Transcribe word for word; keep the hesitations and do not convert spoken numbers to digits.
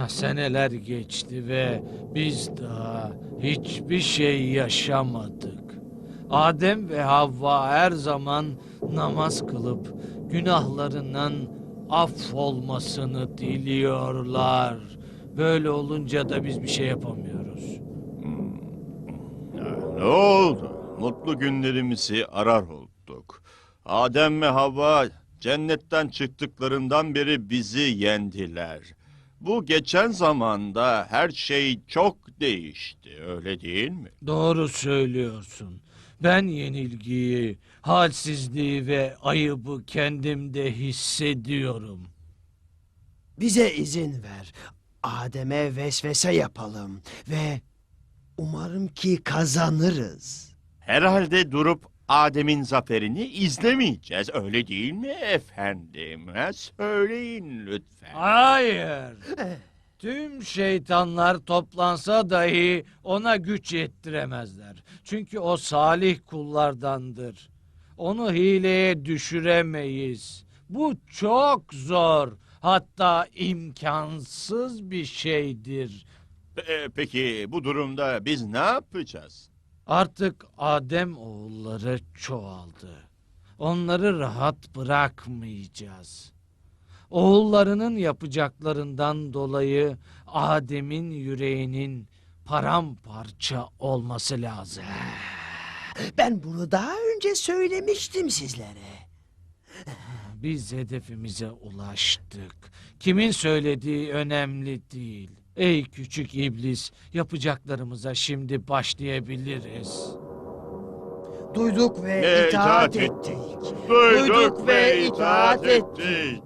Ah, seneler geçti ve biz daha hiçbir şey yaşamadık. Adem ve Havva her zaman namaz kılıp günahlarından affolmasını diliyorlar. Böyle olunca da biz bir şey yapamıyoruz. Ne oldu? Mutlu günlerimizi arar olduk. Adem ve Havva cennetten çıktıklarından beri bizi yendiler. Bu geçen zamanda her şey çok değişti, öyle değil mi? Doğru söylüyorsun. Ben yenilgiyi, halsizliği ve ayıbı kendimde hissediyorum. Bize izin ver. Adem'e vesvese yapalım ve umarım ki kazanırız. Herhalde durup Adem'in zaferini izlemeyeceğiz, öyle değil mi efendim? Ha, söyleyin lütfen. Hayır. Tüm şeytanlar toplansa dahi ona güç yettiremezler. Çünkü o salih kullardandır. Onu hileye düşüremeyiz. Bu çok zor, hatta imkansız bir şeydir. Pe- Peki bu durumda biz ne yapacağız? Artık Adem oğulları çoğaldı. Onları rahat bırakmayacağız. Oğullarının yapacaklarından dolayı Adem'in yüreğinin paramparça olması lazım. Ben bunu daha önce söylemiştim sizlere. Biz hedefimize ulaştık. Kimin söylediği önemli değil. Ey küçük iblis, yapacaklarımıza şimdi başlayabiliriz. Duyduk ve Ve itaat itaat ettik. Duyduk ve itaat ettik.